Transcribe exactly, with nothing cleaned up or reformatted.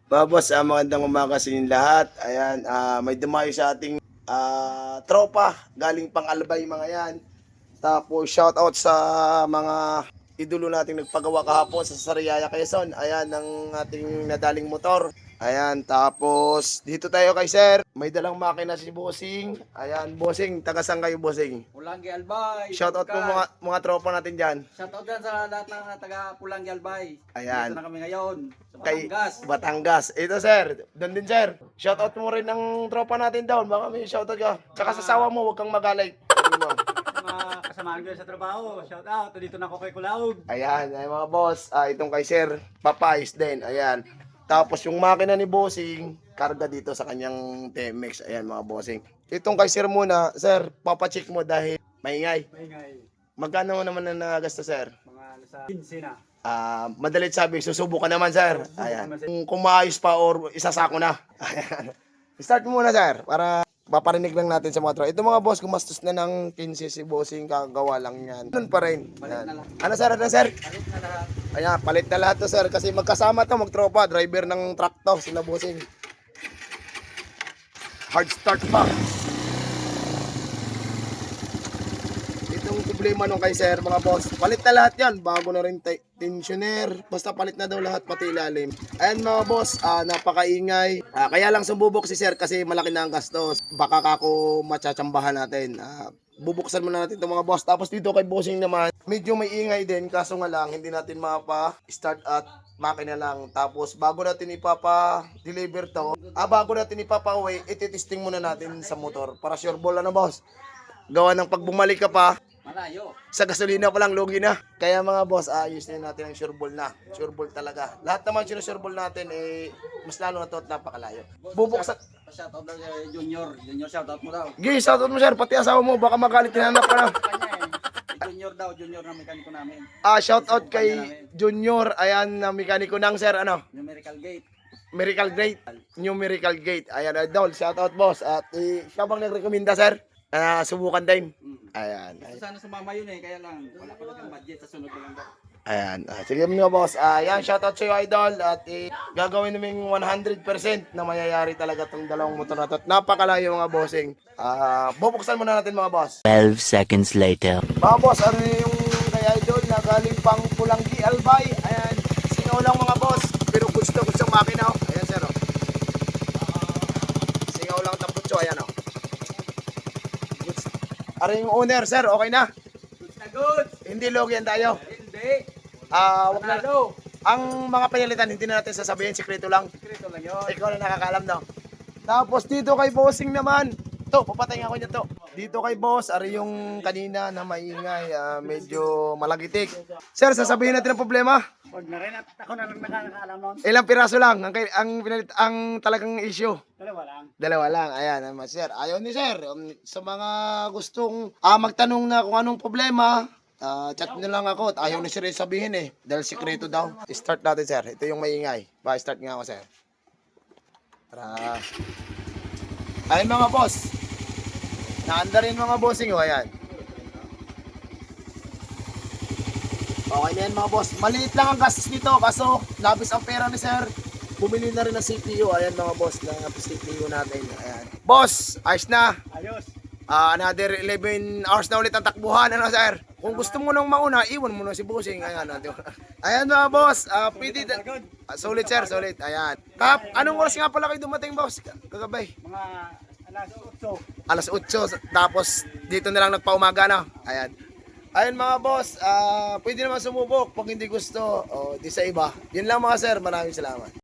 Mga boss, ah, magandang umaga sa inyong lahat. Ayan, ah, may dumayo sa ating ah, tropa, galing pang Albay mga yan. Tapos shout out sa mga idolo nating nagpagawa kahapon sa Sariaya, Quezon. Ayan, ang ating nadaling motor. Ayan, tapos dito tayo kay sir. May dalang makina si Bossing. Ayan, Bossing, taga saan kayo, Bossing? Pulanggi Albay. Shout out po mga, mga tropa natin dyan. Shoutout din sa lahat ng taga Pulanggi Albay. Ayan. Dito na kami ngayon sa Kay Batangas. Batangas. Ito sir, doon din sir. Shoutout mo rin ng tropa natin down. Baka may shoutout ka. Tsaka sa sawa mo, huwag kang magalay. Sabi mo. Mga kasamahan ko sa trabaho. Shoutout. Dito na ako kay Kulaog. Ayan, ay mga boss. Ah, itong kay sir, papayos din. Ayan. Tapos yung makina ni Bossing, karga dito sa kanyang T M X. Ayan mga Bossing. Itong kay sir muna, sir, papacheck mo dahil maingay. Maingay. Magkano mo naman na nagasta sir? Mga nasa quince na. Ah, madalit sabi, susubukan naman sir. Ayan. Kung kumayos pa or isasako na. Ayan. Start mo muna sir para paparinig lang natin sa mga tropa. Ito mga boss, gumastos na ng quince si Bossing, kagawa lang yan. Doon pa rin. Palit na lang. Ano sir, ano sir? Palit na lahat. Ayan, palit na lahat to sir kasi magkasama to, magtropa, driver ng truck to, sila Bossing. Hard start pa. Itong problema nung kay sir mga boss, palit na lahat yan, bago na rin te- tensioner, basta palit na daw lahat pati ilalim. Ayan mga boss, ah, napakaingay. Ah, kaya lang sumubok si sir kasi malaki na ang gastos. Baka kako matsatsambahan natin. Ah, bubuksan muna natin itong mga boss. Tapos dito kay Bossing naman, medyo may ingay din, kaso nga lang hindi natin mapa-start at makina lang. Tapos bago natin ipapa-deliver to, ah, bago natin ipapa-uwi, ititesting muna natin sa motor para sure ball na boss. Gawa ng pag bumalik ka pa, Malayo. sa gasolina pa lang, lugi na. Kaya mga boss, ayos na natin ang sure ball na. Sure ball talaga. Lahat naman sinusure ball natin, eh, mas lalo na to at napakalayo. Bubuksan. Shoutout daw kay Junior. Junior shoutout mo daw. Gay, shoutout mo sir, pati asawa mo, baka magalit hinanap ka na. Kanya eh. Si Junior daw. Junior na mekaniko namin. Ah, shoutout kay Junior, ayan, na mekaniko ng sir, ano, Numerical Gate. Miracle Gate, New Miracle Gate. Ayan, idol, shoutout boss. At eh, siya bang nagrekomenda sir? Ah, subukan din. Mm. Ayan. Gusto sana sumama yun eh. Kaya lang. Wala pa lang budget sa sunod na lang daw. Ayan. Ah, sige mga boss. Ah, yan, shoutout sa iyo idol. At eh, gagawin namin one hundred percent na mayayari talaga itong dalawang motor na to. At napakalayo mga bossing. Ah, bubuksan muna natin mga boss. twelve seconds later. Mga boss, ano yung kay idol na galing pang Pulanggi Albay. Ayan. Singaw lang mga boss. Pero gusto gusto makina. Oh. Ayan sir. Oh. Singaw lang taputso. Ayan oh. Ano yung owner sir? Okay na? Goods na goods. Hindi logyan tayo. Hindi. Ah, wag na. Panalo. Ang mga pinalitan, hindi na natin sasabihin, sikreto lang. Sekreto lang yun. Ikaw na nakakaalam no. Tapos dito kay Bossing naman. To, papatay nga ako niya to. Dito kay Boss, ari yung kanina na maingay, ah, medyo malagitik. Sir, sasabihin natin ang problema. Huwag na rin at ako na lang nakakaalam nun. Ilang piraso lang ang kay- ang pinalit ang talagang issue. Dalawa lang. Dalawa lang. Ayan, naman sir. Ayaw ni sir. Um, sa mga gustong ah, magtanong na kung anong problema, ah, chat nyo lang ako. At ayaw ni sir sabihin eh. Dahil sikreto daw. Start natin sir. Ito yung maingay. Pa-start nga ako sir. Tara. Ayun mga boss. Naanda rin mga bossing oh. Ayan. Okay na yan mga boss. Maliit lang ang gastos nito. Kaso labis ang pera ni sir. Bumili na rin ng C P U. Ayan mga boss. Na C P U natin. Ayan. Boss, ayos na. Ayos. Ah, another eleven hours na ulit ang takbuhan, ano sir? Kung gusto mo nang mauna, iwan mo na si Bossing. Ayan, ah, di ba? Ayan mga boss, ah, pwede, ah, solid sir, solid. Ayan. Kap, anong oras nga pala kayo dumating boss? Kagabay. Mga alas otso. Alas otso, tapos dito na lang nagpaumaga na. Ayan. Ayan mga boss, ah, pwede naman sumubok pag hindi gusto. O, di sa iba. Yun lang mga sir, maraming salamat.